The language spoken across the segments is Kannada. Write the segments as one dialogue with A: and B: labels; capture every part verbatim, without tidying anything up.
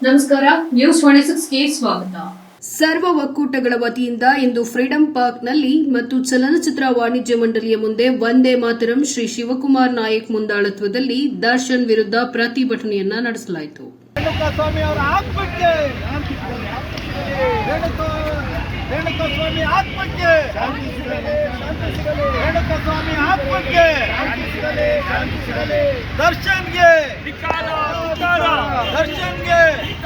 A: ನಮಸ್ಕಾರ, ನ್ಯೂಸ್ ಟ್ವೆಂಟಿ ಗೆ ಸ್ವಾಗತ. ಸರ್ವ ಒಕ್ಕೂಟಗಳ ವತಿಯಿಂದ ಇಂದು ಫ್ರೀಡಂ ಪಾರ್ಕ್ನಲ್ಲಿ ಮತ್ತು ಚಲನಚಿತ್ರ ವಾಣಿಜ್ಯ ಮಂಡಳಿಯ ಮುಂದೆ ವಂದೇ ಮಾತರಂ ಶ್ರೀ ಶಿವಕುಮಾರ್ ನಾಯಕ್ ಮುಂದಾಳತ್ವದಲ್ಲಿ ದರ್ಶನ್ ವಿರುದ್ಧ ಪ್ರತಿಭಟನೆಯನ್ನ ನಡೆಸಲಾಯಿತು.
B: ರೇಣುಕಾಸ್ವಾಮಿ ಅವರ ಆತ್ಮಕ್ಕೆ ರೇಣುಕಾಸ್ವಾಮಿ ಆತ್ಮಕ್ಕೆ ರೇಣುಕಾಸ್ವಾಮಿ ಆತ್ಮಕ್ಕೆ ದರ್ಶನ್ಗೆ ದರ್ಶನ್ಗೆ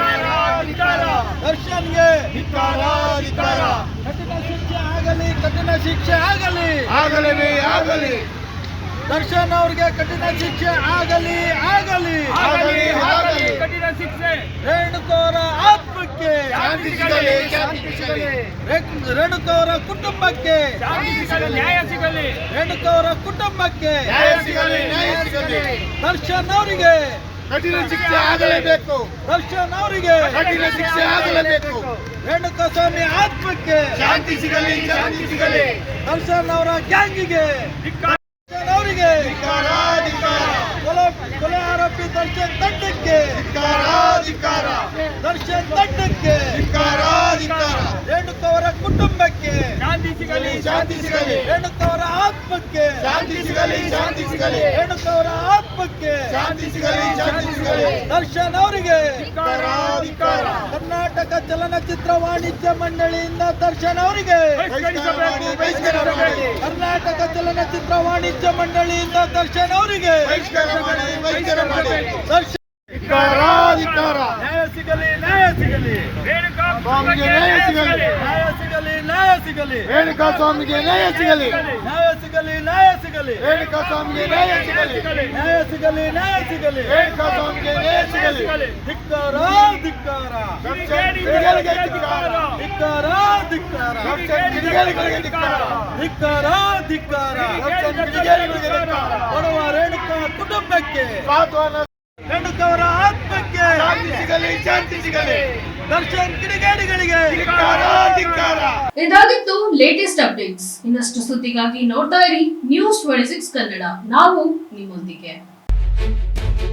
B: ದರ್ಶನ್ಗೆ ಕಠಿಣ ಶಿಕ್ಷೆ ಆಗಲಿ ಕಠಿಣ ಶಿಕ್ಷೆ ಆಗಲಿ
C: ಆಗಲಿ ಆಗಲಿ
B: ದರ್ಶನ್ ಅವ್ರಿಗೆ ಕಠಿಣ ಶಿಕ್ಷೆ ಆಗಲಿ ಆಗಲಿ
C: ಆಗಲಿ ಆಗಲಿ
D: ಕಠಿಣ ಶಿಕ್ಷೆ
B: ರೇಣುಕವರ ಆತ್ಮಕ್ಕೆ
C: ಶಾಂತಿ ಸಿಗಲಿ ಶಾಂತಿ ಸಿಗಲಿ
B: ರೇಣುಕವರ ಕುಟುಂಬಕ್ಕೆ
D: ಶಾಂತಿ ಸಿಗಲಿ, ನ್ಯಾಯ ಸಿಗಲಿ.
B: ರೇಣುಕವರ ಕುಟುಂಬಕ್ಕೆ
C: ನ್ಯಾಯ ಸಿಗಲಿ ನ್ಯಾಯ ಸಿಗಲಿ
B: ದರ್ಶನ್ ಅವರಿಗೆ
C: ಕಠಿಣ ಶಿಕ್ಷೆ ಆಗಲೇಬೇಕು
B: ದರ್ಶನ್ ಅವರಿಗೆ
C: ಕಠಿಣ ಶಿಕ್ಷೆ ಆಗಲೇಬೇಕು
B: ರೇಣುಕಾಸ್ವಾಮಿ ಆತ್ಮಕ್ಕೆ
C: ಶಾಂತಿ ಸಿಗಲಿ ಶಾಂತಿ ಸಿಗಲಿ
B: ದರ್ಶನ್ ಅವರ ಗ್ಯಾಂಗಿಗೆ ದರ್ಶನ್ ಅವರಿಗೆ
C: ಧಿಕ್ಕಾರ ಧಿಕ್ಕಾರ
B: ಕೊಲೆ ಕೊಲೆ ಆರೋಪಿ ದರ್ಶನ್ ತಂಡಕ್ಕೆ
C: ಧಿಕ್ಕಾರ ಧಿಕ್ಕಾರ
B: ದರ್ಶನ್ ತಂಡಕ್ಕೆ
C: ಧಿಕ್ಕಾರ ಧಿಕ್ಕಾರ
B: ರೇಣುಕವರ ಕುಟುಂಬಕ್ಕೆ
D: ಶಾಂತಿ ಸಿಗಲಿ,
C: ಶಾಂತಿ ಸಿಗಲಿ
B: ರೇಣುಕವರ ಆತ್ಮಕ್ಕೆ
C: ಶಾಂತಿ ಸಿಗಲಿ ಶಾಂತಿ ಸಿಗಲಿ
B: ರೇಣುಕವರ ಆತ್ಮಕ್ಕೆ
C: ಶಾಂತಿ ಸಿಗಲಿ ಶಾಂತಿ ಸಿಗಲಿ
B: ದರ್ಶನ್ ಅವರಿಗೆ
C: ಧಿಕ್ಕಾರ ಧಿಕ್ಕಾರ
B: ಕರ್ನಾಟಕ ಚಲನಚಿತ್ರ ವಾಣಿಜ್ಯ ಮಂಡಳಿಯಿಂದ ದರ್ಶನ್ ಅವರಿಗೆ
D: ಬಹಿಷ್ಕರಿಸಬೇಕು, ಬಹಿಷ್ಕರಿಸಬೇಕು.
B: ಕರ್ನಾಟಕ ಚಲನಚಿತ್ರ ವಾಣಿಜ್ಯ ಮಂಡಳಿಯಿಂದ ದರ್ಶನ್ ಅವರಿಗೆ
C: ಬಹಿಷ್ಕಾರ ಮಾಡಿ ಬಹಿಷ್ಕಾರ ಮಾಡಿ
B: ದರ್ಶನ್
C: ಧಿಕ್ಕಾರ ಧಿಕ್ಕಾರ
B: ನ್ಯಾಯ ಸಿಗಲಿ ನ್ಯಾಯ ಸಿಗಲಿ
D: ರೇಣುಕಾ
C: ಸ್ವಾಮಿಗೆ ನ್ಯಾಯ ಸಿಗಲಿ
B: ನ್ಯಾಯ ಸಿಗಲಿ ನ್ಯಾಯ ಸಿಗಲಿ
C: ರೇಣುಕಾ ಸ್ವಾಮಿಗೆ ನ್ಯಾಯ ಸಿಗಲಿ
B: ನ್ಯಾಯ ಸಿಗಲಿ ನ್ಯಾಯ ಸಿಗಲಿ
C: ರೇಣುಕಾ ಸ್ವಾಮಿಗೆ ನ್ಯಾಯ ಸಿಗಲಿ
B: ನ್ಯಾಯ ಸಿಗಲಿ ನ್ಯಾಯ ಸಿಗಲಿ
C: ರೇಣುಕಾ ಸ್ವಾಮಿಗೆ ನ್ಯಾಯ ಸಿಗಲಿ
B: ಧಿಕ್ಕಾರ ಧಿಕ್ಕಾರ
C: ಕಿಡಿಗೇಡಿಗಳಿಗೆ ಧಿಕ್ಕಾರ
B: ಧಿಕ್ಕಾರ ಧಿಕ್ಕಾರ
C: ಕಿಡಿಗೇಡಿಗಳಿಗೆ ಧಿಕ್ಕಾರ
B: ಧಿಕ್ಕಾರ ಧಿಕ್ಕಾರ
C: ಕಿಡಿಗೇಡಿಗಳಿಗೆ ಧಿಕ್ಕಾರ
B: ಕೊಡುವ ರೇಣುಕಾ ಕುಟುಂಬಕ್ಕೆ
C: ಸಾಂತ್ವನ
B: ರೇಣುಕವರ ಆತ್ಮಕ್ಕೆ
C: ಶಾಂತಿ ಸಿಗಲಿ ಶಾಂತಿ ಸಿಗಲಿ
B: ದರ್ಶನ್ ಕಿಡಿಗೇಡಿಗಳಿಗೆ
C: ಧಿಕ್ಕಾರ ಧಿಕ್ಕಾರ
A: ಇದಾಗಿತ್ತು ಲೇಟೆಸ್ಟ್ ಅಪ್ಡೇಟ್ಸ್. ಇನ್ನಷ್ಟು ಸುದ್ದಿಗಾಗಿ ನೋಡ್ತಾ ಇರಿ ನ್ಯೂಸ್ ಟ್ವೆಂಟಿ ಸಿಕ್ಸ್ ಕನ್ನಡ. ನಾವು ನಿಮ್ಮೊಂದಿಗೆ.